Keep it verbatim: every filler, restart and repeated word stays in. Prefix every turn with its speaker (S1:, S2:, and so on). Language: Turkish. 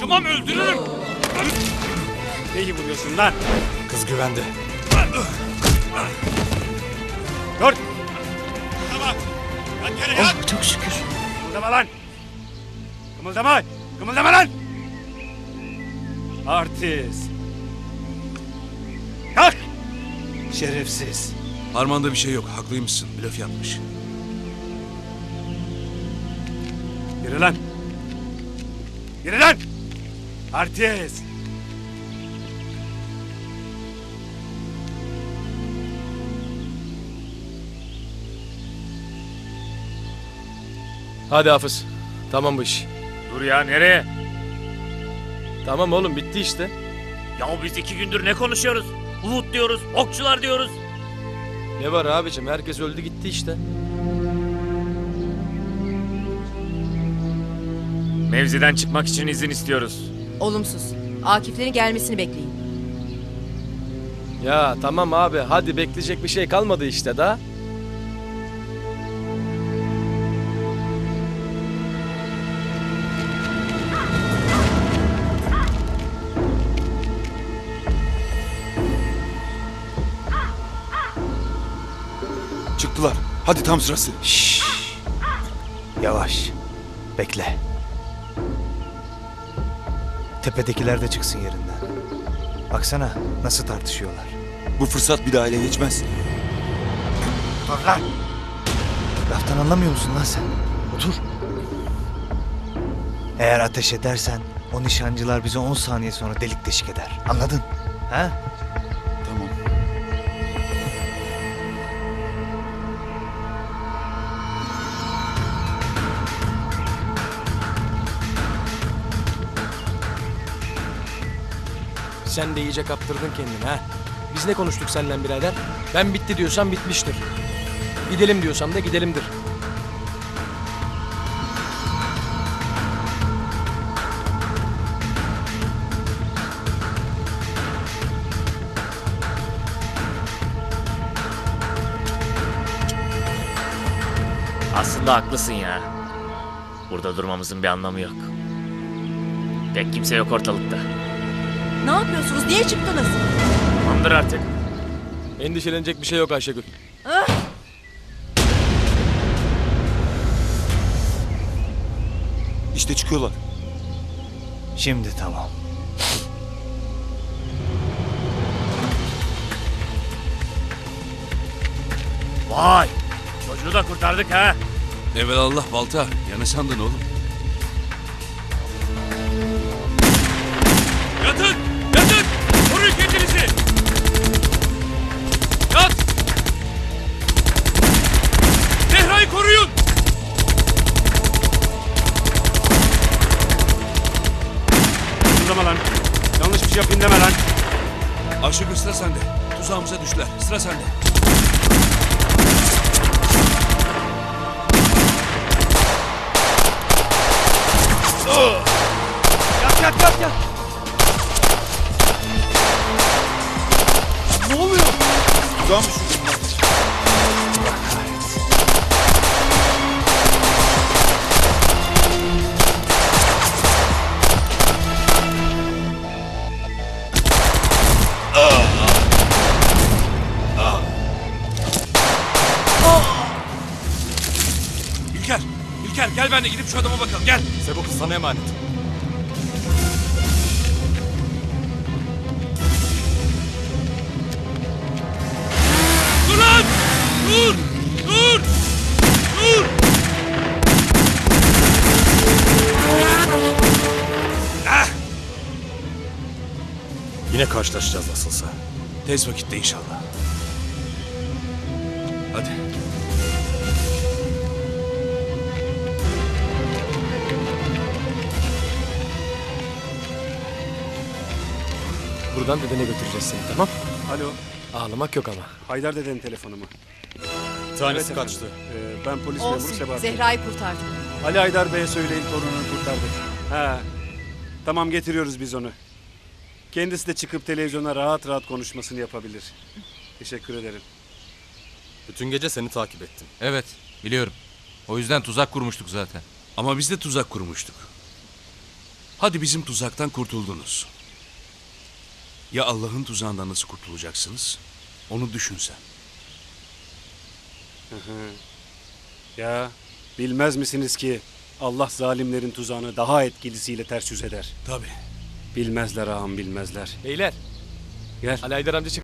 S1: Tamam, öldürürüm. Neyi vuruyorsun lan?
S2: Kız güvende.
S1: Dur. Tamam. Yat yere yat.
S3: Oh, çok şükür.
S1: Kımıldama lan. Kımıldama. Kımıldama lan. Artist. Kalk. Şerefsiz.
S4: Parmağında bir şey yok. Haklıymışsın. Blöf yapmış.
S1: Yürü lan. Yürü lan. Artist.
S2: Hadi Hafız. Tamam bu iş.
S5: Dur ya, nereye?
S2: Tamam oğlum, bitti işte.
S5: Ya biz iki gündür ne konuşuyoruz? Uhud diyoruz, okçular diyoruz.
S2: Ne var abicim, herkes öldü gitti işte.
S5: Mevziden çıkmak için izin istiyoruz.
S3: Olumsuz. Akiflerin gelmesini bekleyin.
S2: Ya tamam abi, hadi bekleyecek bir şey kalmadı işte daha.
S4: Çıktılar. Hadi tam sırası.
S6: Şşş. Yavaş. Bekle. Tepedekiler de çıksın yerinden. Baksana nasıl tartışıyorlar.
S4: Bu fırsat bir daha ele geçmez.
S6: Dur lan. Laftan anlamıyor musun lan sen? Otur. Eğer ateş edersen o nişancılar bizi on saniye sonra delik deşik eder. Anladın? Ha?
S4: Tamam.
S2: Sen de iyice kaptırdın kendini ha. Biz ne konuştuk seninle birader? Ben bitti diyorsam bitmiştir. Gidelim diyorsam da gidelimdir.
S5: Aslında haklısın ya. Burada durmamızın bir anlamı yok. Pek kimse yok ortalıkta.
S3: Ne yapıyorsunuz? Niye çıktınız?
S5: Tamamdır artık.
S2: Endişelenecek bir şey yok Ayşegül.
S3: Ah!
S4: İşte çıkıyorlar.
S6: Şimdi tamam.
S5: Vay! Çocuğu da kurtardık ha.
S4: Evelallah balta. Ya ne sandın oğlum?
S1: Yatın. Yatın. Koruyun kendinizi. Yat. Zehra'yı koruyun. Kımıldama lan. Yanlış bir şey yapayım deme lan.
S4: Ayşegül, sıra sende. Tuzağımıza düştüler. Sıra sende.
S1: Yat yat yat yat.
S4: Ne oluyor? Tuzağa mı düşürdün lan?
S1: İlker. İlker gel benimle gidip şu adama bakalım. Gel.
S2: Sebo kız sana emanet.
S1: Dur lan. Dur. Dur. Dur. Ah.
S2: Yine karşılaşacağız nasılsa.
S4: Tez vakitte inşallah. Hadi.
S2: Buradan dedene götüreceğiz seni, tamam?
S1: Alo.
S2: Ağlamak yok ama.
S1: Haydar dedenin telefonu mu?
S2: Tanesi
S1: Evet
S2: kaçtı.
S1: efendim. Ee, ben polis memuru
S3: Olsun.
S1: Sebahattin.
S3: Zehra'yı kurtardık.
S1: Ali Haydar Bey'e söyleyin torununu kurtardık. Ha. Tamam, getiriyoruz biz onu. Kendisi de çıkıp televizyona rahat rahat konuşmasını yapabilir. Teşekkür ederim.
S2: Bütün gece seni takip ettim.
S7: Evet, biliyorum. O yüzden tuzak kurmuştuk zaten.
S4: Ama biz de tuzak kurmuştuk. Hadi bizim tuzaktan kurtuldunuz. Ya Allah'ın tuzağından nasıl kurtulacaksınız? Onu düşün sen.
S1: Ya bilmez misiniz ki Allah zalimlerin tuzağını daha etkilisiyle ters yüz eder.
S4: Tabii.
S1: Bilmezler ağam bilmezler.
S2: Beyler.
S1: Gel.
S2: Ali Haydar amca